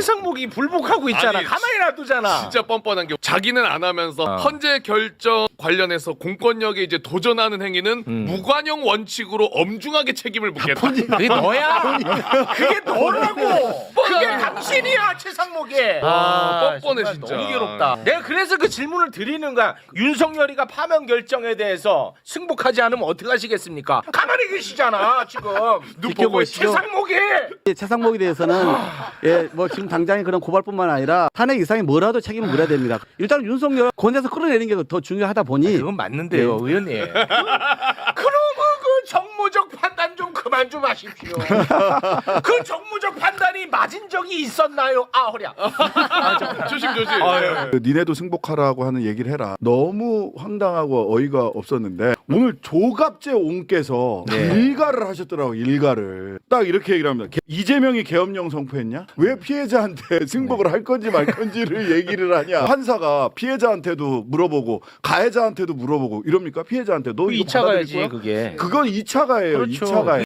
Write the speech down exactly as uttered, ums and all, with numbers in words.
최상목이 불복하고 있잖아. 아니, 가만히 놔두잖아. 진짜 뻔뻔한 게 자기는 안 하면서 어. 헌재 결정 관련해서 공권력에 이제 도전하는 행위는 음. 무관용 원칙으로 엄중하게 책임을 묻겠다. 그게 너야? 그게 너라고. 그게 당신이야, 최상목이. 아, 뻔뻔해, 정말 진짜. 너무 괴롭다. 내가 그래서 그 질문을 드리는 거야. 윤석열이가 파면 결정에 대해서 승복하지 않으면 어떻게 하시겠습니까? 가만히 계시잖아, 지금. 눈 보고 있어. 최상목이. 예, 최상목에 대해서는 예, 뭐 지금 당장의 그런 고발뿐만 아니라 탄핵 이상의 뭐라도 책임을 물어야 됩니다. 일단 윤석열 권에서 끌어내는 게 더 중요하다 보니 그건 맞는데요, 의원님. 그러면 그 정무적 판단 좀 그만 좀 하십시오. 그 정무적 판단이 맞은 적이 있었나요? 아, 허리야. 조심 조심. 그 니네도 승복하라고 하는 얘기를 해라. 너무 황당하고 어이가 없었는데 오늘 조갑재 옹께서 네. 일가를 하셨더라고. 일가를 딱 이렇게 얘기를 합니다. 개- 이재명이 계엄령 선포했냐? 왜 피해자한테 승복을 할 건지 말 건지를 얘기를 하냐? 판사가 피해자한테도 물어보고 가해자한테도 물어보고 이럽니까? 피해자한테 너 이거 이 차 받아들일 가야지, 거야? 그게. 그건 이 차 가예요. 그렇죠. 이 차 가예.